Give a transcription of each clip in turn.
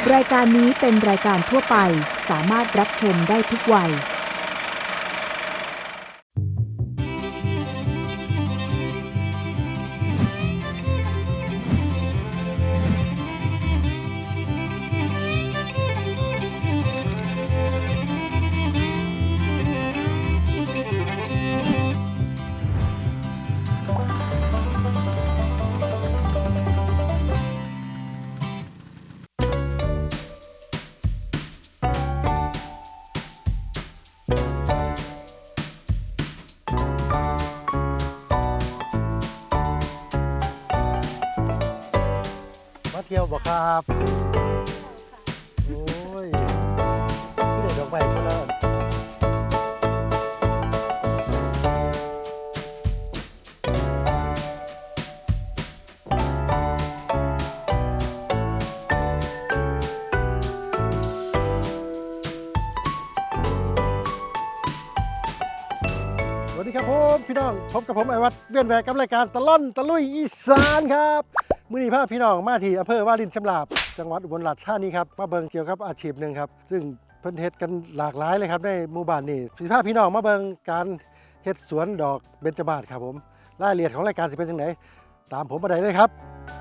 รายการนี้เป็นรายการทั่วไปสามารถรับชมได้ทุกวัยมาเที่ยวบ่ครับโอ้ยพี่เด็กดอกไม้คนละสวัสดีครับผมพี่น้องพบกับผมไอวัดเวียนแหวกกับรายการตะล่อนตะลุยอีสานครับมื้อนี้พาพี่น้องมาที่อำเภอวารินชำราบจังหวัดอุบลราชธานีครับมาเบิ่งเกี่ยวกับอาชีพหนึ่งครับซึ่งเพิ่นเฮ็ดกันหลากหลายเลยครับในหมู่บ้านนี้สิพาพี่น้องมาเบิ่งการเฮ็ดสวนดอกเบญจมาศครับผมรายละเอียดของรายการสิเป็นจังไดตามผมมาได้เลยครับ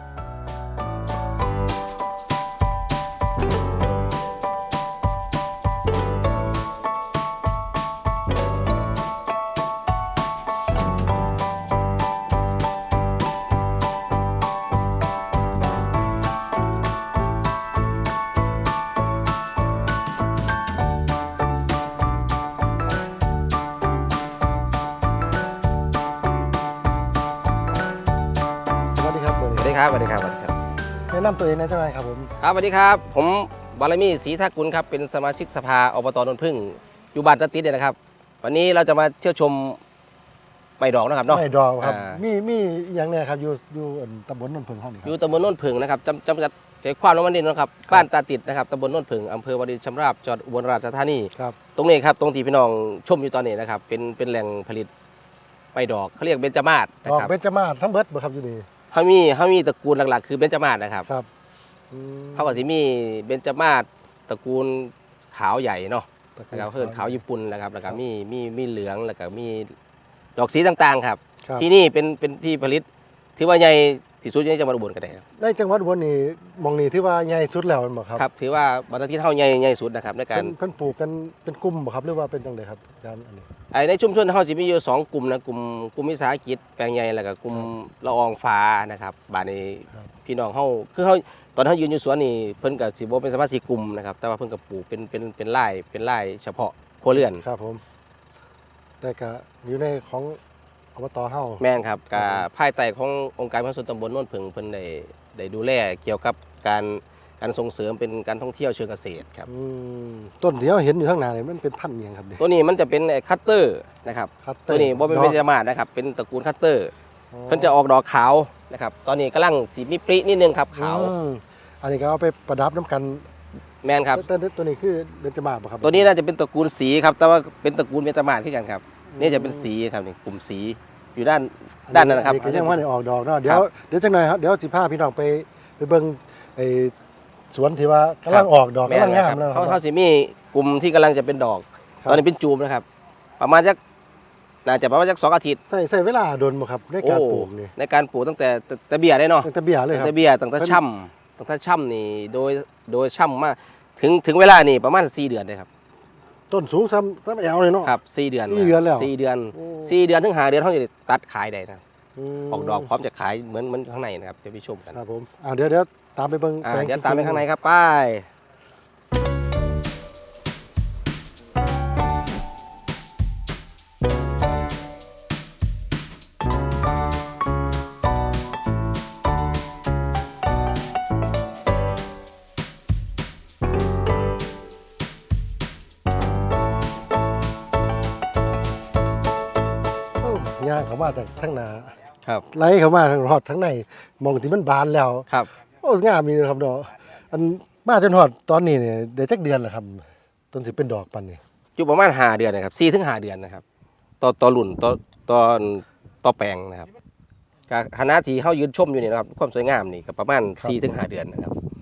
สวัสดีครับสวัสดีครับสวัสดีครับสวัสดีครับแนะนำตัวเองหน่อยจังไดครับผมครับสวัสดีครับผมบารมีศรีทักกุลครับเป็นสมาชิกสภาอบตนนพึ่งอยู่บ้านตะติดเนี่ยนะครับ วันนี้เราจะมาเที่ยวชมไม้ดอกนะครับเนาะไม่ดอกครับอ่ามีอย่างเนี้ยครับอยู่ตำบลนนท์เพิ่งเฮานี่คอรับยู่ตำบลโนนพึ่งนะครับจำกัดเขตความน้ำมันดินนะครับบ้านตาติดนะครับตำบลโนนพึ่งอำเภอวารินชำราบจังหวัดอุบลราชธานีครับตรงนี้ครับตรงที่พี่น้องชมอยู่ตอนนี้นะครับเป็นแหล่งผลิตไม้ดอกเขาเรียกเบญจมาศนะดอกครับเบญจมาศทั้งเบิดบ่ครับอยู่นี่เขามีตระกูลหลักๆ คือเบญจมาศนะครับครับอืมเขาก็สิมีเบญจมาศตระกูลขาวใหญ่เนาะตะกูแล้วก็เพื่อนขาวญี่ปุ่นนะครับแล้วก็มีเหลืองแล้วก็มีดอกสีต่างๆครับครับที่นี่เป็นที่ผลิตถือว่าใหญ่ที่สุดในจังหวัดอุบลก็ได้ครับในจังหวัดอุบลนี่หมองนี่ถือว่าใหญ่สุดแล้วแม่นบ่ครับครับถือว่าบรรทัดที่เท่าใหญ่สุดนะครับในการเพิ่นปลูกกันเป็นกลุ่มบ่ครับหรือว่าเป็นจังไดครับการอันนี้ในชุมชนเขาจะมีอยู่2 กลุ่มนะกลุ่มวิสาหกิจแปลงใหญ่แล้วก็กลุ่มละอองฟ้านะครับบาดนี้พี่น้องเขาคือเขาตอนเขายืนอยู่สวนนี่เพิ่นกับสิบ่เป็นสมาชิกกลุ่มนะครับแต่ว่าเพิ่นก็ปลูกเป็นไร่เฉพาะครัวเรือนครับผม แต่ก็อยู่ในของอบตเฮาแม่นครับกับภายใต้ขององค์การพัฒนาส่วนตำบลโน่นผึ่งเพิ่นได้ดูแลเกี่ยวกับการส่งเสริมเป็นการท่องเที่ยวเชิงเกษตรครับอืมต้นที่เราเห็นอยู่ข้างหน้านี่มันเป็นพันธุ์อิหยังครับนี่ตัวนี้มันจะเป็นคัตเตอร์นะครับคัตเตอตัวร์นี้บ่เป็นเบญจมาศนะครับเป็นตระกูลคัตเตอร์เพิ่นจะออกดอกขาวนะครับตอนนี้กำลังสีมีปรินิดนึงครับขาวอืมอันนี้ก็เอาไปประดับน้ำกันแม่นครับแต่ตัวนี้คือเบญจมาศบ่ครับตัวนี้น่าจะเป็นตระกูลสีครับแต่ว่าเป็นตระกูลเบญจมาศคือกันครับนี่จะเป็นสีครับนี่กลุ่มสีอยู่ด้านนั้นนะครับก็ยังว่าได้ออกดอกเนาะเดี๋ยวจังหน่อยครับเดี๋ยวสิพาพี่น้องไปเบิ่งไอ้สวนที่ว่ากำลังออกดอกแม่กำลันงแล้วงาคมรับแล้วเขาสิมีกลุ่มที่กำลังจะเป็นดอกครับตอนนี้เป็นจูมนะครับ ประมาณสักน่าจะประมาณสัก2 อาทิตย์ใส่เวลาโดนบ่ครับในการปลูกนี่ในการปลูกตั้งแต่เบี้ยได้เนาะตั้งแต่เบี้ยเลยครับตั้งแต่เบี้ยตั้งแต่ช่ำนี่โดยช่ำมาถึงเวลานี่ประมาณ4 เดือนเลยครับต้นสูงซ้ำแอวเลยเนาะครับ4 เดือน 4 เดือนแล้ว 4 เดือนโอ้ 4 เดือนถึง5 เดือนเขาจะตัดขายได้นะมออกดอกพร้อมจะขายเหมือนข้างในนะครับจะไปชมกันครับผมเดี๋ยวตามไปเบิ่งแปลงเดี๋ยวตามไปข้างในครับไปโอ้ย่างเข้ามาจากทั้งหน้าครับไหลเข้ามาทางรอดทั้งในมองที่มันบานแล้วครับโอ้งามมีนะครับดอกอันมาจนฮอดตอนนี้เนี่ยได้จักเดือนแล้วครับต้นสิเป็นดอกปันนี่อยู่ประมาณ5 เดือนนะครับ4 ถึง 5 เดือนนะครับต่อรุ่นต่อแปลงนะครับคณะที่เขายืนชมอยู่นี่นะครับความสวยงามนี่ก็ประมาณ4 ถึง 5 เดือนนะครับ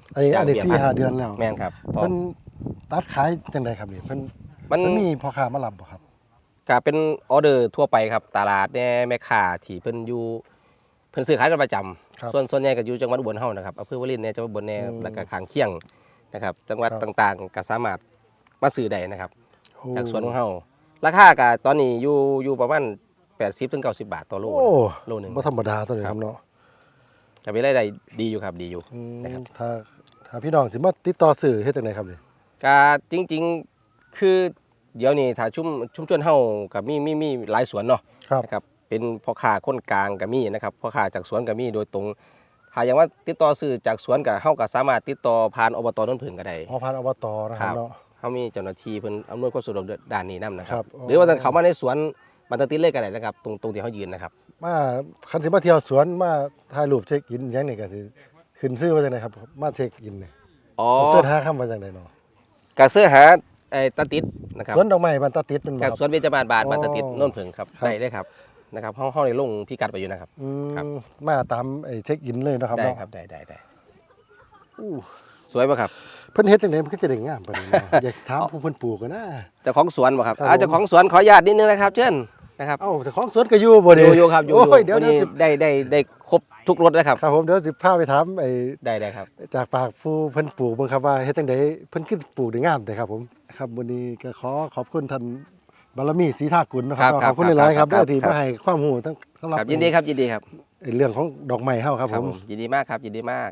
อันนี้จ้างเบี้ยสี่พันห้าเดือนแล้วแม่นครับพอเพิ่นตัดขายจังไดครับนี่เพิ่นมันมีพ่อค้ามารับบ่ครับก็เป็นออเดอร์ทั่วไปครับตลาดแน่แม่ค้าที่เพิ่นอยู่เพิ่นซื้อขายกันประจำครับส่วนใหญ่ก็อยู่จังหวัดอุบลเฮานะครับอำเภอวารินเนี่ยจังหวัดอุบลเนี่ยอืมแล้วก็ข้างเคียงนะครับจังหวัดครับต่างๆก็สามารถมาซื้อได้นะครับโอ้จากสวนของเฮาราคาก็ตอนนี้อยู่ประมาณ80ถึง90 บาทต่อโลโอ้โลนึงบ่ธรรมดาตัวนี้ครับเนาะก็มีรายได้ดีอยู่ครับดีอยู่อืมนะครับถ้าพี่น้องสิมาติดต่อซื้อเฮ็ดจังไดครับนี่ก็จริงๆคือเดี๋ยวนี้ถ้าชุมชนเฮาก็มีหลายสวนเนาะครับนะครับเป็นพ่อค้าคนกลางก็มีนะครับพ่อค้าจากสวนก็มีโดยตรงถ้าอย่างว่าติดต่อซื้อจากสวนก็เฮาก็สามารถติดต่อผ่านอบตโนนผึ่งก็ได้พอพันอบตนะครับเนาะเฮามีเจ้าหน้าที่เพิ่นอำนวยความสะดวกด้านนี้นํนะคครัรับบ อ๋อหรือว่าจะเข้ามาในสวนบันตติดเลยก็ได้นะครับตรงที่เฮายืนนะครับมาคันสิมาเที่ยวสวนมาถ่ายรูปเช็คอินหยังนี่ก็สิขึ้นชื่อว่าจังไดครับมาเช็คอินนี่อ๋อเสิร์ชหาคำว่าจังไดเนาะก็เสื้อหาไอ้ตาติดนะครับสวนดอกไม้บ้านตาติดเป็นบ่จากครับสวนเบญจมาศบาทอ๋อบันตติดโนนผึ่งครับครับได้เลยครับนะครับเฮาได้ลงพิกัดไปอยู่นะครับอืครับมมาตามไอ้เช็คอินเลยเนาะครับได้เนาะครับได้อู้สวยป่ะครับเพิ่นเฮ็ดจังไดมันก็จะได้งามปานนี้เนาะ อยากถามผู้เพิ่นปลูกกันนะเจ้าของสวนบ่ครับครับผมเจ้าของสวนขออนุญาตนิดนึงนะครับเชิญนะครับเอ้าแต่ของสวนก็อยู่บ่อนี่ยู่ครับอยู่โอ้ยเดี๋ยววันเดี๋ยวนี้สิได้ครบทุกรถนะครับครับผมเดี๋ยวสิพาไปถามไอ้ได้ครับจากปากผู้เพิ่นปลูกเบิ่งครับว่าเฮ็ดจังไดเพิ่นขึ้นปลูกได้งามแต่ครับผมครับวันนี้ก็ขอบคุณท่านบารมีศรีทากุลเนาะครับครับขอบคุณหลายๆครับครับเด้อที่ครับมาให้ความรู้ทั้งสำหรับครับยินดีครับยินดีครับไอ้เรื่องของดอกไม้เฮาครับผมยินดีมากครับยินดีมาก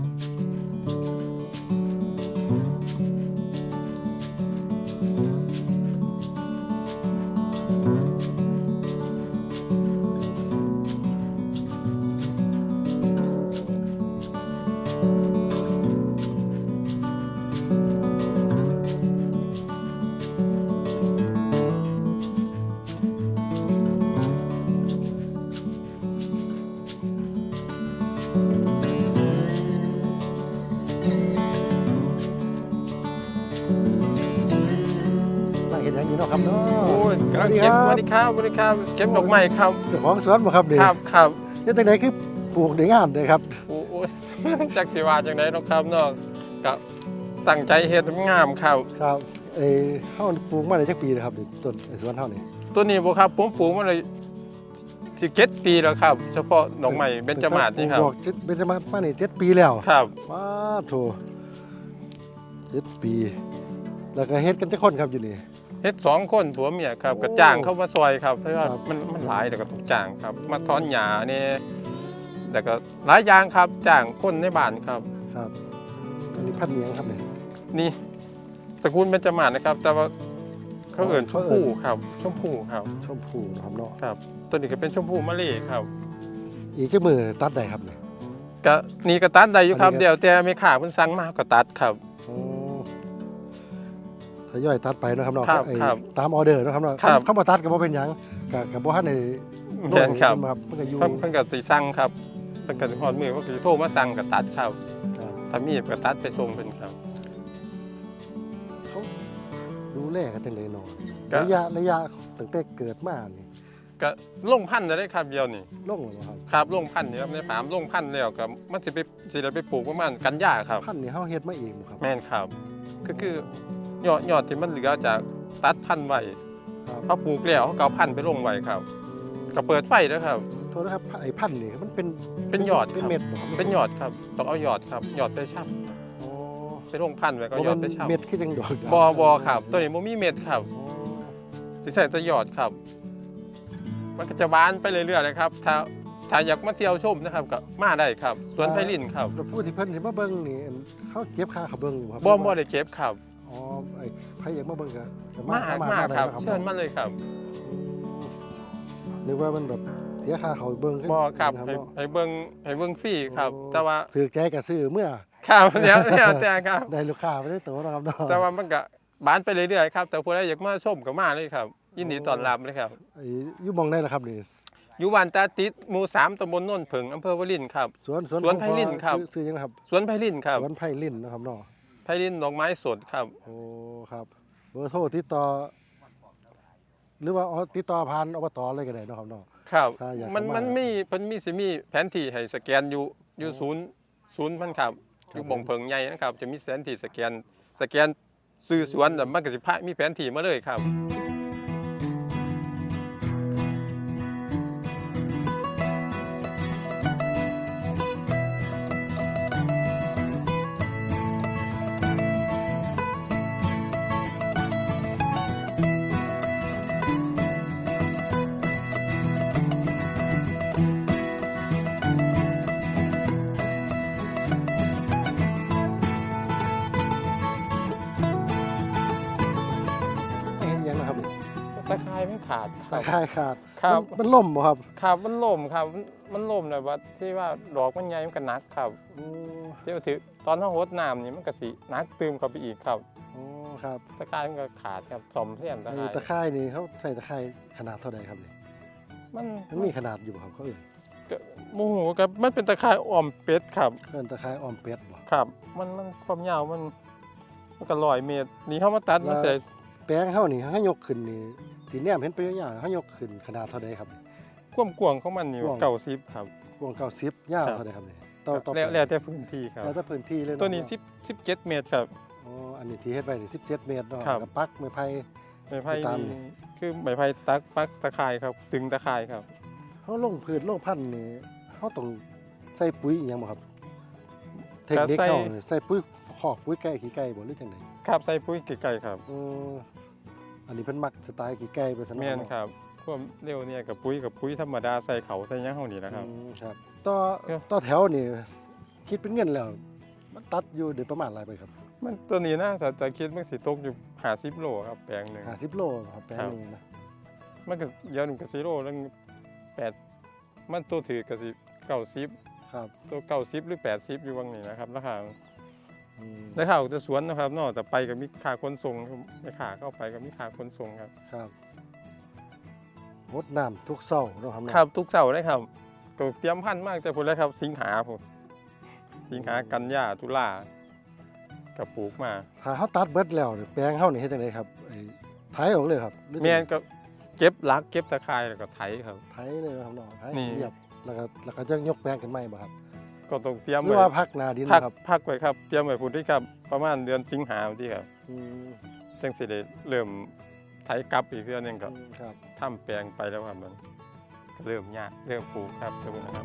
นั่งเฮ็ดหยังอยู่เนาะครับเนาะโอ้ยกำลังเก็บสวัสดีครับสวัสดีครับ เก็บดอกไม้ครับเจ้าของสวนบ่ครับนี่ครับเฮ็ดจังไดคือปลูกได้งามแต่ครับโอ้ย จักสิว่าจังได๋เนาะครับเนาะก็ตั้งใจเฮ็ดให้มันงามครับครับเฮาปลูกมาได้จักปีแล้วครับนี่ต้นไอ้สวนเฮานี่ตัวนี้บ่ครับผมปลูกมาเลย17ปีแล้วครับ เฉพาะดอกไม้เบญจมาศนี่ครับปลูกเบญจมาศมานี่7ปีแล้วครับว้าโถ7ปี แล้วก็เฮ็ดกันจักคนครับอยู่นี่เฮ็ด2คนผัวเมียครับก็จ้างเข้ามาซอยครับเพราะว่าครับมันหลายแล้วก็ต้องจ้างครับ มาถอนหญ้านี่แล้วก็หลายอย่างครับจ้างคนในบ้านครับครับ อันนี้พันธุ์เมียงครับเนี่ยนี่ตระกูลเบญจมาศนะครับ แต่ว่าเขาเอิ้นชเขามเอิ้นพู่ครับชมพู่ครับชมพูนะครับเนาะครับตัวนี้ก็เป็นชมพูมะลิครับอีกจักมือตัดได้ครับเนี่ยก็นี่ก็ตัดได้อยู่ครับอันนี้ก็เดี๋ยวแต่ไม่ขาเพิ่นสั่งมาก็ตัดครับอ๋อทยอยตัดไปเนาะครับเนาะครับไอ้ครับตามออเดอร์เนาะครับเนาะครับเขาบ่ตัดก็บ่เป็นหยังก็บ่ทันได้แม่นครับครับเพิ่นก็อยู่เพิ่นก็สิสั่งครับเพิ่นก็สิฮอดมือเพิ่นก็สิโทรมาสั่งก็ตัดครับครับถ้ามีก็ตัดไปส่งเพิ่นครับเขาดูแลกันจังได๋เนาะก็ระยะตั้งแต่เกิดมานี่ก็ลงพันธุ์ได้ครับเดียวนี่ลงแล้วบ่ครับครับลงพันธุ์นี่ครับในฟาร์มลงพันธุ์แล้วก็มันสิได้ไปปลูกประมาณกันยาครับพันธุ์นี่เฮาเฮ็ดมาเองบ่ครับแม่นครับก็คือยอดที่มันเหลือจากตัดพันธุ์ไว้ครับเขาปลูกแล้วเขาก็เอาพันธุ์ไปลงไว้ครับก็เปิดไฟนะครับโทษนะครับไอ้พันธุ์นี่มันเป็นเป็นยอดเป็นครับเม็ดบ่ครับเป็นยอดครับต้องเอายอดครับยอดไปชับอ๋อไปลงพันธุ์ไว้ก็บ่ยอมัดนไปชับเม็ดคือจังดอกบอครับ ตัวนี้บ่มีเม็ดครับอ๋อสิใส่แตะยอดครับ มันก็จะบานไปเรื่อยๆเลยครับ ถ้าอยากมาเที่ยวชมนะครับก็มาได้ครับสวนไพลินครับแล้วผู้ที่เพิ่นสิมาเบิ่งนี่เฮาเก็บค่าเขาเบิ่งบ่ครับบ่ได้เก็บครับอ๋อไอ้ไผอยากมาเบิ่งก็มาได้ครับนะเชิญมาเลยครับนึกว่ามันแบบเสียค่าเขาเบิ่งบ่ครับเนาะให้เบิ่งฟรีครับโอ้แต่ว่าถือใจก็ซื้อเมื่อครับแล้วแต่ครับได้ลูกค้าไม่ได้โตนะครับเนาะแต่ว่ามันก็บานไปเรื่อยๆครับ แต่ผู้ใดอยากมาชมก็มาเลยครับ ยินดีต้อนรับเลยครับไอ้อยู่หมองได้ล่ะครับนี่อยู่บ้านตาติดหมู่3ตำบลโนนผึ่งอำเภอวลินครับสวนสวนไผ่ลิ่นครับซื้อยังนะครับสวนไพลินครับสวนไผ่ลิ่นนะครับเนาะไพลินดอกไม้สดครับโอ้ครับเบอร์โทรติดต่อ หรือว่าติดต่อผ่านอบตเลยก็ได้เนาะครับเนาะครับถ้าอยากมันเข้ามามัมีเพิ่นมีสิมีแผนที่ให้สแกนอยู่ศูนย์มันครับอยู่บ่งเพิงใหญ่นะครับจะมีแผนที่สแกนซื้อสวนแล้วมันก็สิพามีแผนที่มาเลยครับไม่เห็นหยังนะครับตะไคร้มันขาดคตะรับไคร้ขาดครับมันล่มบ่ครับครับมันล่มครับมันล่มเลยว่าที่ว่าดอกมันใหญ่มันก็หนักครับโอ้ที่ว่าถือตอนเฮาโหดน้ำนี่มันก็สิหนักตืมเข้าไปอีกครับโอ้ครับตะไคร้มันก็ขาดครับซ่อมเสียมตะไอ้ไคร้ตะไคร้นี่เขาใส่ตะไคร้ขนาดเท่าใดครับนี่มันมันมีขนาดอยู่บ่ครับเขาเอ่ยโมโหครับมันเป็นตะไคร้อ้อมเป็ดครับเอิ้นตะไคร้อ้อมเป็ดบ่ครับ มันความยาวมันก็100 เมตรนี่เฮามาตัดมันใส่แปลงเฮานี่เฮายกขึ้นนี่ที่แนมเห็นไปยาวๆเฮายกขึ้นขนาดเท่าใดครับความกว้างของมันนี่กว้าง 90ครับกว้าง90ยาวเท่าใดครับนี่ต่อแล้วแต่พื้นที่ครับแล้วแต่พื้นที่เลยเาะตัวนี้17 เมตรครับอ๋ออันนี้ที่เฮ็ดไว้นี่17 เมตรเนาะครับกับปักไม้ไผ่ไม้ไผ่ตามนี่นี่คือไม้ไผ่ปักตะไคร้ครับตึงตะไคร้ครับเฮาลงพืชลงพันธุ์นี่เฮาต้องใส่ปุ๋ยอีหยังบ่ครับ เทคนิคก็ใส่เขานี่ใส่ปุ๋ยคอกปุ๋ยไก่ขี้ไก่บ่หรือจังไดครับใส่ปุ๋ยไก่ๆครับอันนี้เพิ่นมักสไตล์ขี้ไก่ไปซั่นแม่นเนาะครับความเร็วเนี่ยกับปุ๋ยธรรมดาใส่เขาใส่หยังเฮานี่นะครับครับต่อครับต่อแถวนี่คิดเป็นเงินแล้ว มันตัดอยู่ได้ประมาณหลายไปครับมันตัวนี้นะแต่คิดมันสิตกอยู่50 โลครับแปลงหนึง 50โลครับแปลงหนึงนะมันก็เดี๋ยวหนึงก็สิโลแล้ว8มันตัวถือก็สิ90 ครับตัว90หรือ80อยู่วังนี้นะครับราคาอืมราคาจะสวนนะครับเนอกแต่ไปก็มีค่าขนส่งไม่ค่าเข้าไปก็มีค่าขนส่งครับครับรดน้ำทุกเช้าเนาะครับเนาะครับทุกเสาร์เลยครับก็เตรียมพันธุ์มากแต่พุ่นเลยครับสิงหาพุ่นสิงหากันยาตุลากับปลูกมาถ้าเฮาตัดเบิดแล้วนี่แปลงเฮานี่เฮ็ดจังไดครับไอ้ไถออกเลยครับหรือจังแม่ใดนก็เก็บลักเก็บตะไคร้แล้วก็ไถครับไถเลยนะครับเนาะไถนี่เรียบแล้วก็จะยกแปลงขึ้นใหม่บ่ครับก็ต้องเตรียมหรือไว้ว่าพักหน้าดินพักนะครับพักไว้ครับเตรียมไว้พุ่นที่ครับประมาณเดือนสิงหาที่ครับอืมจังสิได้เริ่มไถกลับอีกเทื่อนึงก็ครับทำแปลงไปแล้วครับมันก็เริ่มยากเริ่มปลูกครับตรงนี้นะครับ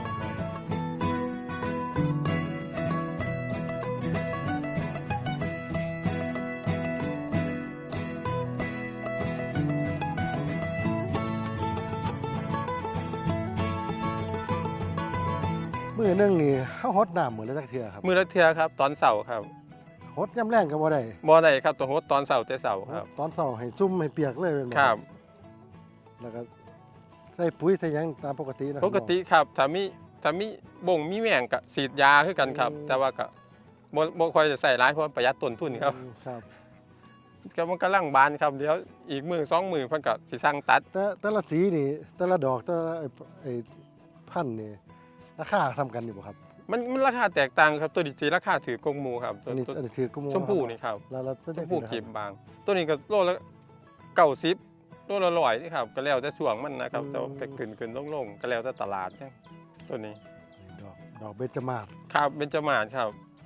มื้อหนึงนี่เฮาฮดน้ำมื้อละจักเทื่อครับมือละเทื่อครับตอนเสาร์ครับฮดยามแรงก็บ่ได้บ่ได้ครับต้องโฮดตอนเสาร์แต่เสาร์ครับตอนเช้าให้ซุ่มให้เปียกเลยแม่นบ่ครับแล้วก็ใส่ปุ๋ยใส่หยังตามปกตินะครัปบกติครับถ้ามีบ่งมีแมงก็ฉีดยาคือกันครับ แต่ว่าก็บ่ค่อยจะใส่หลายเพราะประหยัดต้นทุนครับครับก็มันกำลังบานครับเดี๋ยวอีกมือ2 มือเพิ่นก็สิสั่งตัดแต่ละสีนี่แต่ละดอกแต่ละไอ้พันธุ์นี่ราคาซ้ำกันอยู่บ่ครับมันราคาแตกต่างครับตัวนี้สิราคาถือกงหมูครับตัอัวนนี้ตัวอันนี้คือกระมูชมพูนี่ครับแล้วเป็นชจัมงพูซี่นะคกีรับบาง ตัวนี้ก็โลละ90โลละ100นี่ครับก็แล้วแต่ช่วงมันนะครับแต่ว่าก็ขึ้นลงก็แล้วแต่ตลาดนะตัวนี้ดอกเบญจมาศครับเบญจมาศครับ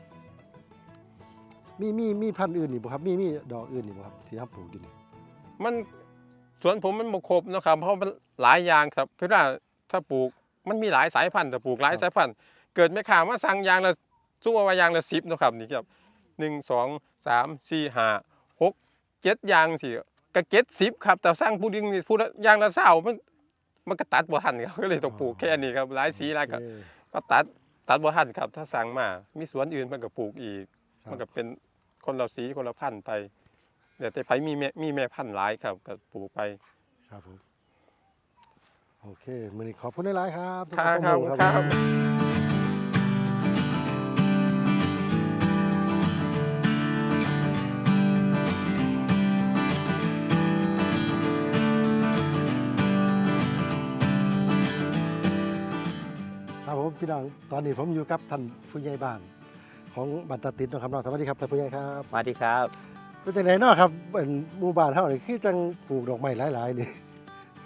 มีพันธุ์อื่นอีกบ่ครับมีดอกอื่นอีกบ่ครับที่เฮาปลูกอยู่นี่มันสวนผมมันบ่ครบเนาะครับเพราะมันหลายอย่างครับเวลาถ้าปลูกมันมีหลายสายพันธุ์แต่ปลูกหลายสายพันธุ์เกิดแม่ค้ามาสั่งอย่างละสู้ว่าอย่างละ10เนาะครับนี่ครับ1 2 3 4 5 6 7อย่างสิก็70ครับแต่สั่งผู้หนึงนี่ผู้ละอย่างละ20มันก็ตัดบ่ทันครับก็เลยต้องปลูกแค่นี้ครับหลายสีหลายก็โอเคก็ตัดบ่ทันครับถ้าสั่งมามีสวนอื่นมันก็ปลูกอีกครับมันก็เป็นคนละสีคนละพันธุ์ไปเดี๋ยวแต่ไผมีแม่พันธุ์หลายครับก็ปลูกไปครับผมโอเคมื้อนี้ขอบคุณหลายๆครับครับสำหครับข้อมูลครับครับผมพี่น้องตอนนี้ผมอยู่กับท่านผู้ใหญ่บ้านของบ้านตาติดเนาะครับเนาะสวัสดีครับท่านผู้ใหญ่ครับสวัสดีครับเป็นจังไดเนาะครับเป็นหมู่บ้านเฮานี่คือจังปลูกดอกไม้หลายๆนี่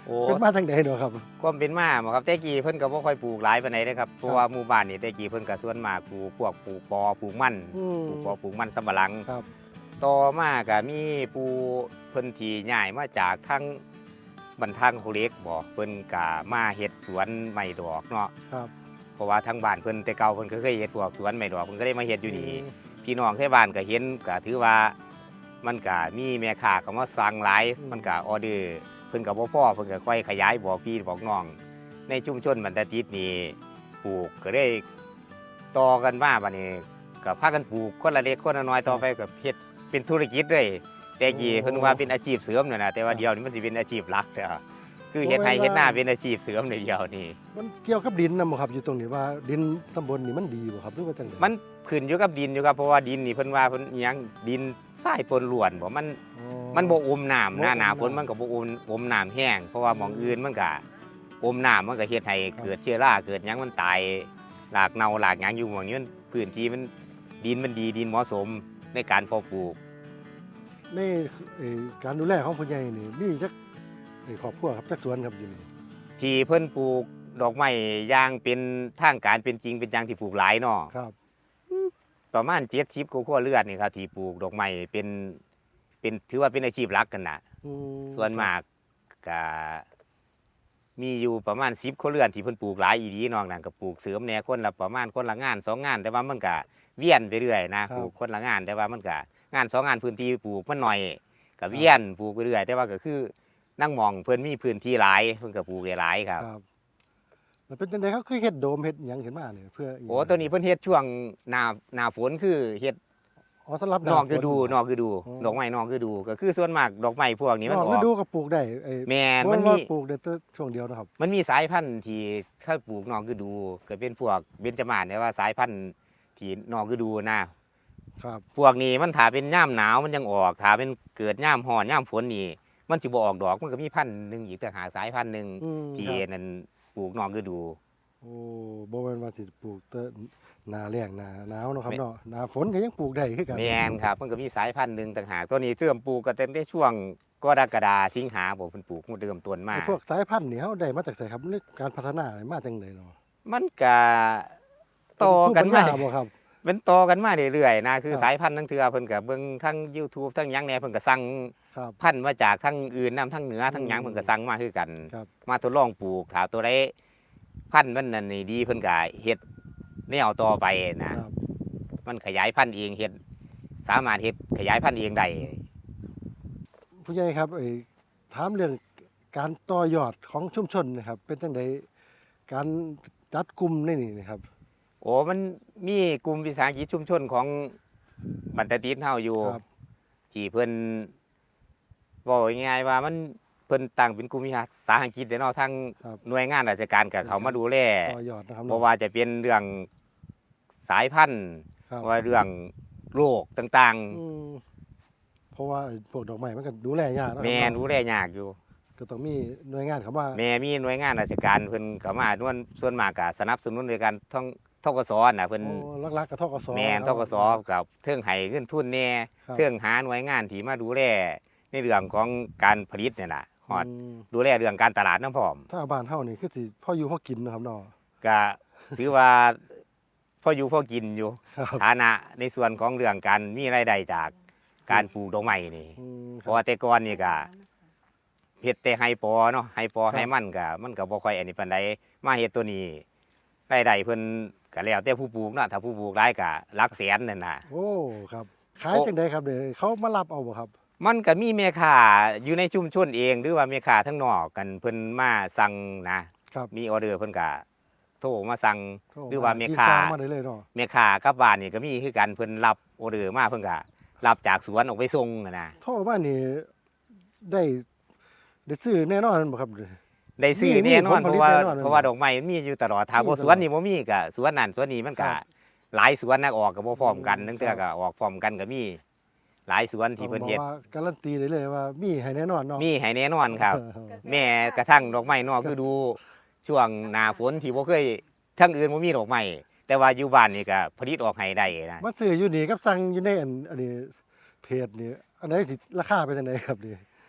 โอ้เป็นมาทางใดเนาะครับความเป็นมาบ่ครับแต่กี้เพิ่นก็บ่ค่อยปลูกหลายปานใดเด้อครับเพราะว่าหมู่บ้านนี่แต่กี้เพิ่นก็ส่วนมากปลูกพวกปลูกปอปลูกมันอืมปลูกปอปลูกมันสำปะหลังครับต่อมาก็มีผู้เพิ่นที่ย้ายมาจากทางบันทางโคเล็กบ่เพิ่นก็มาเฮ็ดสวนไม้ดอกเนาะครับเพราะว่าทางบ้านเพิ่นแต่เก่าเพิ่นก็เคยเฮ็ดพวกสวนไม้ดอกเพิ่นก็ได้มาเฮ็ดอยู่นี่พี่น้องที่บ้านก็เห็นก็ถือว่ามันก็มีแม่ค้าเข้ามาสั่งหลายมันก็ออเดอร์เพิ่นก็บ่พอเพิ่นก็ค่อยขยายบอกพี่บอกน้อง ในชุมชนบรรดาจิตนี่ปลูกก็ได้ต่อกันมาบัดนี้ก็พากันปลูกคนละเล็กคนละน้อยต่อไปก็เฮ็ดเป็นธุรกิจเลยแต่กี้เพิ่นว่าเป็นอาชีพเสริมนั่นน่ะแต่ว่าเดี๋ยวนี้มันสิเป็นอาชีพหลักแล้วคือเฮ็ดไร่เฮ็ดนาเป็นอาชีพเสริมในเดียวนี่มันเกี่ยวกับดินนำบ่ครับอยู่ตรงนี้ว่าดินตำบลนี่มันดีบ่ครับหรือว่าจังไดมันขึ้นอยู่กับดินอยู่ครับเพราะว่าดินนี่เพิ่นว่าเพิ่นอิหยังดินทรายปนล้วนบ่มันบ่อมน้ำหน้าฝนมันก็บ่อมน้ำแห้งเพราะว่าหม่องอื่นมันก็อมน้ำมันก็เฮ็ดให้เกิดเชื้อราเกิดหยังมันตายรากเน่าหลากหยังอยู่หม่องนี้มันพื้นที่มันดินมันดีดินเหมาะสมในการเพาะปลูกในการดูแลของผู้ใหญ่นี่มีจักครอบครัวครับจักสวนครับอยู่นี่ที่เพิ่นปลูกดอกไม้อย่างเป็นทางการเป็นจริงเป็นจังที่ปลูกหลายเนาะครับประมาณ70กว่าครัวเรือนนี่ครับที่ปลูกดอกไม้เป็นถือว่าเป็นอาชีพหลักกันน่ะอืมส่วนมากก็มีอยู่ประมาณ10ครัวเรือนที่เพิ่นปลูกหลายอีหลีนอกนั้นก็ปลูกเสริมแหน่คนละประมาณคนละงาน2งานแต่ว่ามันก็เวียนไปเรื่อยนะปลูกคนละงานแต่ว่ามันก็งาน2งานพื้นที่ปลูกมันน้อยก็เวียนปลูกไปเรื่อยแต่ว่าก็คือนั่งมองเพิ่นมีพื้นที่หลายเพิ่นก็ปลูกได้หลายครับครับแล้วเป็นจังไดเขาคือเฮ็ดโดมเฮ็ดหยังขึ้นมาเนี่ยเพื่อหยังโอ้ตัวนี้เพิ่นเฮ็ดช่วงหน้าฝนคือเฮ็ดอ๋อสำหรับนอกฤดูฝนอกฤดูอ๋อดอกไม้นอกฤดูก็คือส่วนมากดอกไม้พวกนี้มันนอกอฤอกดูก็ปลูกได้แม่นมัมัน นมีมีปลูกได้แต่ช่วงเดียวนะครับมันมีสายพันธุ์ที่ถ้าปลูกนอกฤดูก็เป็นพวกเบญจมาศแต่ว่าสายพันธุ์ที่นอกฤดูนะครับ พวกนี้มันถ้าเป็นย่ามหนาวมันยังออกถ้าเป็นเกิดย่ามร้อนย่ามฝนนี่มันสิบ่ออกดอกมันก็มีพันธุ์หนึงอีกต่างหากสายพันธุ์หนึงอืมที่ครับนั่นปลูกนอกฤดูโอ้บ่แม่นว่าสิปลูกแต่หน้าแล้งหน้าหนาวเนาะครับแม่เนาะหน้าฝนก็ยังปลูกได้คือกันแม่นครับมันก็มีสายพันธุ์หนึงต่างหากตัวนี้เริ่มปลูกก็ตั้งแต่ช่วงกรกฎาสิงหาบ่เพิ่นปลูกมันเริ่มต้นมาไอ้พวกสายพันธุ์นี่เฮาได้มาจากไสครับหรือการพัฒนานี่มาจังไดเนาะมันก็ต่อกันมาเป็นภูปัญญบ่ครับเป็นต่อกันมาเรื่อยๆนะคือครับสายพันธุ์ทั้งเทือเพิ่นก็เบิ่งทั้ง YouTube ทั้งหยังแหน่เพิ่นก็สั่งครับพันธุ์มาจากทั้งอื่นนํทั้งเหนือทั้งหยังเพิ่นก็สั่งมาคือกันครับมาทดลองปลูกถ้าตัวใดพันธุ์มันนั่นนี่ดีเพิ่นก็เฮ็ดแนวต่อไปนะครับ มันขยายพันธุ์เองเฮ็ดสามารถเฮ็ดขยายพันธุ์เองได้ผู้ใหญ่ครับถามเรื่องการต่อยอดของชุมชนนะครับ เป็นจังไดการจัดกลุ่มในนี่นะครับโอ้มันมีกลุ่มวิสาหกิจชุมชนของบันตะติดเฮาอยู่ครับที่เพิ่นบอกง่ายๆว่ามันเพิ่นตั้งเป็นกลุ่มวิสาหกิจเด้เนาะทั้งครับหน่วยงานราชการกับเขามาดูแลต่อยอดนะครับบ่ว่าจะเป็นเรื่องสายพันธุ์ครับว่าเรื่องโรคต่างอืมเพราะว่าพวกดอกไม้มันก็ดูแลยากนะคๆรับแม่เนาะดูแลยากอยู่ก็ต้องมีหน่วยงานเข้ามาแม่มีหน่วยงานราชการเพิ่นเข้ามาส่วนมากก็สนับสนุนในการท่องทกสน่ะเพิ่นโอ้ลักๆกับทกสแม่นนะทครับกสกับเทิงให้เงินทุนแน่ครับเทิงหาหน่วยงานที่มาดูแลในเรื่องของการผลิตเนี่ยน่ะฮอดมดูแลเรื่องการตลาดน้ำพร้อมถ้าบ้านเฮานี่คือสิพ่ออยู่พ่อกินนะครับเนาะก็ถือว่าพออยู่พอกินอยู่ครับฐานะในส่วนของเรื่องการมีรายได้จากการปลูกดอกไม้นี่อืมเพราะว่าแต่ก่อนนี่ก็เฮ็ดแต่ไฮปอเนาะไฮปอครับไฮมันก็บ่ค่อยอันนี้ปานใดมาเฮ็ดตัวนี้รายได้เพิ่นก็แล้วแต่ผู้ปลูกเนาะถ้าผู้ปลูกหลายก็หลักแสนนั่นน่ะโอ้ครับขายจังไดครับเดี๋ยวเขามารับเอาบ่ครับมันก็มีแม่ค้าอยู่ในชุมชนเอง หรือว่าแม่ค้าทั้งนอกกันเพิ่นมาสั่งนะครับ มีออเดอร์เพิ่นก็โทรมาสั่งโทรหรือว่าแม่ค้าติดต่อมาได้เลยเนาะแม่ค้ากลับบ้านนี่ก็มีคือกันเพิ่นรับออเดอร์มาเพิ่นก็รับจากสวนออกไปส่งนะโทรมานี่ได้ซื้อแน่นอนบ่ครับได้ซื้อมีแน่นอนผลผลิตเพราะว่าแน่นอนเพราะว่าดอกไม้มันมีอยู่ตลอดถ้ามีบ่ตลอดสวนนี่บ่มีก็สวนนั่นสวนนี้มันก็ครับหลายสวนนักออกก็บ่พร้อมกันอืมทั้งเทื่อก็ออกพร้อมกันก็มีหลายสวนที่เพิ่นเฮ็ดบอกว่าการันตีได้เลยว่ามีให้แน่นอนเนาะมีให้แน่นอนครับ แม่กระทั่งดอกไม้นอกคือดูช่วงหน้าฝนที่บ่เคยทั้งอื่นบ่มีดอกไม้แต่ว่าอยู่บ้านนี่ก็ผลิตออกให้ได้นะมาซื้ออยู่นี่กับสั่งอยู่ในอันนี้เพจนี่อันไหนสิราคาเป็นจังไดครับนี่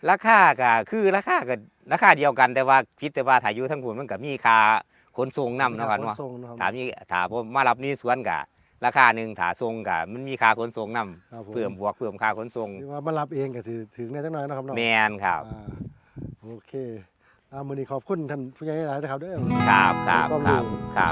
ราคาก็คือราคาก็ราคาเดียวกันแต่ว่าพิษแต่ว่าถ้าอยู่ทั้งพุ่นมันก็มีค่าขนส่งนำเนาะครับเนาะขส่งนะครับถ้าผมมารับนี่สวนก็ราคาหนึงถ้าส่งก็มันมีค่าขนส่งนำครับผมเพิ่มค่าขนส่งหรือว่ามารับเองก็สิถึงแน่จังน้อยนะครับเนาะแมนครับอ่าโอเคมื้อนี้ขอบคุณท่านผู้ใหญ่หลายๆนะครับเด้อครับครับความครู้รับครับ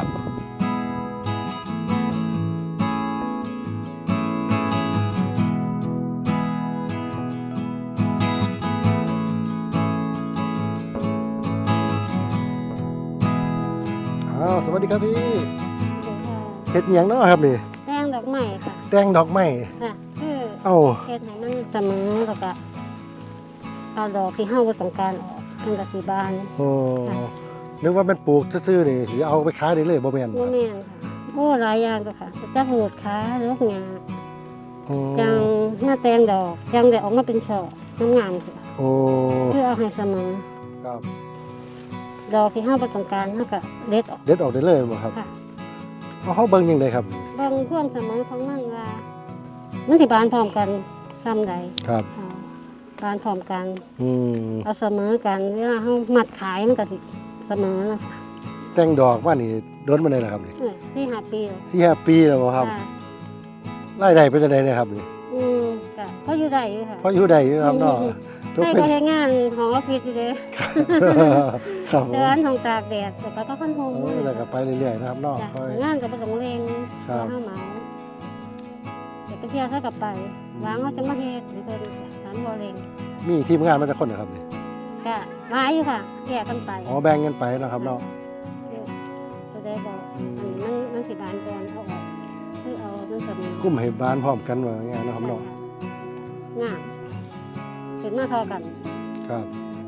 สวัสดีครับพี่เฮ็ดหยังเนาะครับนี่แป้งดอกไม้ค่ะแต่งดอกไม้ค่ะคือเอ้าเฮ็ดให้มันเสมอแล้วก็เอาดอกที่เฮาบ่ต้องการออกมันก็สิบานโอ้นึกว่ามันปลูกซื่อๆนี่สิเอาไปขายได้เลยบ่แม่นบ่แม่นค่ะโอ้หลายอย่างก็ค่ะจักโหดขาหรือหญ้าอืมจังหน้าแตงดอกจังได้ออกมาเป็นช่องามๆค่ะโอ้คือเอาให้เสมอครับดอกที่เฮาบ่ต้องการเฮาก็เด็ดออกเด็ดออกได้เลยบ่ครับค่ะเอาเฮาเบิ่งยังไงครับเบิ่งความเสมอของมันว่ามันสิบานพร้อมกันซ้ำใดครับค่ะบานพร้อมกันอืมเอาเสมอกันเวลาเฮามัดขายมันก็สิเสมอนะคะแต่งดอกมานี่โดนมาได้แล้วครับนี่ 4-5 ปีแล้ว 4-5 ปีแล้วบ่ครับค่ะรายได้เป็นจังไดเนี่ยครับนี่ก็พออยู่ได้อยู่ค่ะพออยู่ได้อยู่นะครับเนาะทุกใครเป็นก็เฮ็ดงานของออฟฟิศอยู่เลยครับผมเดินของตากแดดแล้วก็คันโฮมโอ้ยแล้วก็ไปเรื่อยๆนะครับเนาะจ้ะค่อยงานก็บ่ต้องเร่งครับเฮาเหมาเดี๋ยวไปเที่ยวซะกับไปวางเขาจะมาเฮ็ดให้เพิ่นถามบ่เร่งมีทีมงานมาจากคนนะครับนี่ก็หลายอยู่ค่ะแยกกันไปอ๋อแบ่งกันไปนะครับเนาะตัวได้บอกอืมอันนี้มันสิบานก่อนเอาออกคือเอามันเสมอกุ้มให้บ้านพร้อมกันว่าง่ายๆนะครับเนาะงามเป็นมาเทอกันครับ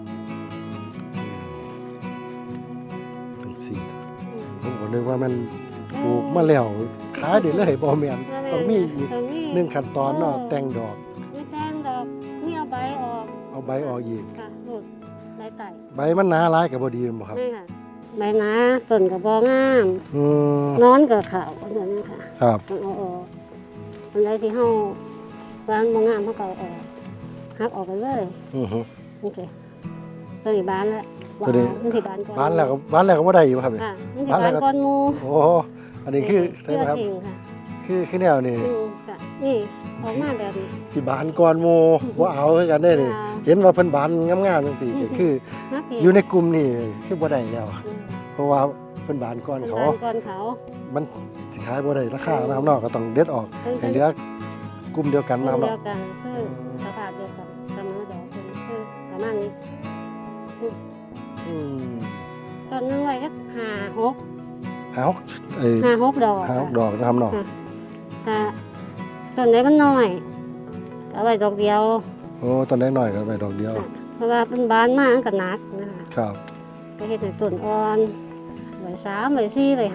ทั้งสี่ผมก็นึกว่ามันปลูกมาแล้วขายได้เลยบ่แม่นต้องมีอีกหนึ่งขั้นตอนเนาะแต่งดอกมีแต่งดอกมีเอาใบออกเอาใบออกอีกค่ะหลุดใบไต่ใบมันหนาหลายก็บ่ดีบ่ครับนี่ค่ะใบหนาต้นกับบองามอืมนอนกับขาวแบบนี้ค่ะครับต้องเอาออกอันใดที่เฮาบ้านบองามเฮาก็เอาออกหักออกไปเลยอือฮึโอเคตัวนี้บานแล้วตัวนี้มันสิบานก่อนบ้านแล้วก็บ่ได้อยู่ครับนี่ค่ะมันสิบานแล้บาวน ก็ก่อนหมูโอ้อันนี้คือใช่ไหมครับเชื่อจริงค่ะคือแนวนี่ค่ะนี่ออกมาแบบนี้สิบานก่อนหมู่บ่เอาคือกันได้นี่ค่ะเห็นว่าเพิ่นบานงามๆจังซี่ก็คือนักเรีอยู่ในกลุ่มนี่คือบ่ได้แล้วอืมเพราะว่าเพิ่นบานก่อนเขาบานก่อนเขามันสิขายบ่ได้ราคานะครับเนาะก็ต้องเด็ดออกให้เหลือกลุ่มเดียวกันนะครับเดีเนาะยวกันคือสภาพเดียวกันเสมอดอกเป็นคือประมาณนี้อืมต้นนึงไว้ก็ห้าหกหาหกเอ้ยดอกหาหกดอกนะครับเนาะค่ะต้นไหนมันน้อยก็เอาไว้ดอกเดียวโอ้ตอนน้อยๆก็ไปดอกเดียวเพราะว่าเป็นบานมากกับหนักนะคะครับก็เห็ดให้ต้นอ่อนไว้3ไว้4ไว้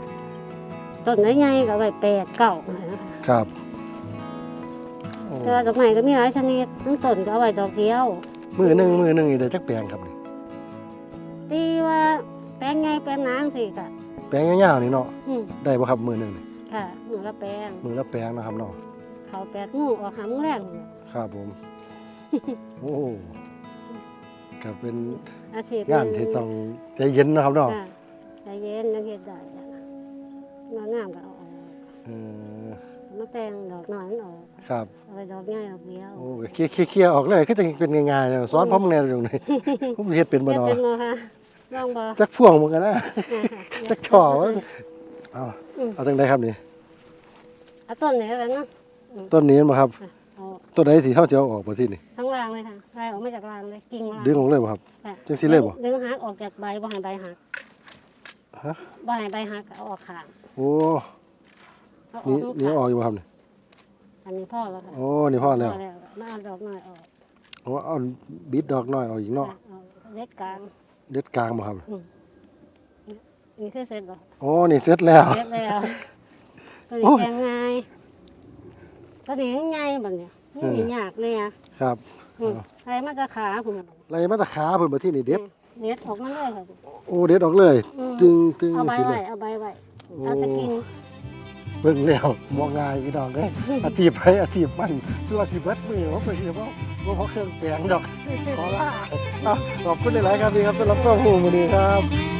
5ต้นใหญ่ๆก็ไว้8 9นะคะครับโอ้แต่ว่าดอกไม้ก็มีหลายชนิดทั้งต้นก็เอาไว้ดอกเดียวมือหนึงนี่ได้จักแปลงครับนี่ตีว่าแปลงไงแปลงนางสิค่ะแปลงยาวๆนี่เนาะอืมได้บ่ครับมือหนึงนี่ค่ะมือละแปลงมือละแปลงนะครับเนาะเขา8 โมงออก5 โมงแรงครับผม โอ้ก็เป็นอาชีพงานที่ต้องใจเย็นนะครับเนาะค่ะใจเย็นยังเฮ็ดได้จ้ะงามก็เอาออกเออมาแต่งดอกน้อยมันออกครับเอาไปดอกใหญ่ดอกเดียวโอ้เคลียร์ออกเลยคือจะเป็นง่ายๆสอนผมแน่ตรงนี้ ผมเฮ็ดเป็นบ่เฮ็ดเนาะเป็นบ่คะลองบ่จักพ่วงเหมือนกันนะค่ะจักช่อวะเอาอืมเอาจังไดครับนี่เอาต้นนี้แล้วกันเนาะต้นนี้บ่ครับค่ะเอาต้นไหนที่เฮาจะเอาออกบ่ที่นี่ทั้งรางเลยค่ะรายออกมาจากรางเลยกิ่งรางดึงออกเลยบ่ครับค่ะจังสิเลยบ่ดึงหักออกจากใบบ่ให้ใบหักฮะบ่ให้ใบหักเอาออกข้างโอ้เอาอนี่อกนี่เอาออกอยู่บ่ครับนี่อันนี้พ่อแล้วค่ะโอ้นี่พอแล้วมาเอาดอกน้อยออกโอ้เอาบิดดอกน้อยออกอีกเนาะเอาเล็กกลางเด็ดกลางบ่ครับนี่คือเสร็จบ่โอ้นี่เสร็จแล้วเสร็จแล้วตัวโอ้นี้ยแกงง่ายตัวนี้ใหญ่บัดเนี่ยนี่ยากเลยอ่ะครับใส่มาจะขาคุณน่ะไล่มาแตะขาเพิ่นบ่ที่นี่เด็ดเด็ดออกมาเลยค่ะโอ้เด็ดออกเลยอืมจึงเอาใบสิเลไว้ยเอาใบไว้โอ้เอาตะกินเบิ่งแล้วบ่ง่ายพี่น้องเอ้ยอาชีพไผอาชีพมันส่วนอาชีพเบิดมือว่าเพิ่นสิบ่เพราะเครื่องแปลงดอกขอลาขอบคุณหลายๆครับพี่ครับสำหรับข้อมูลมื้อนี้ครับ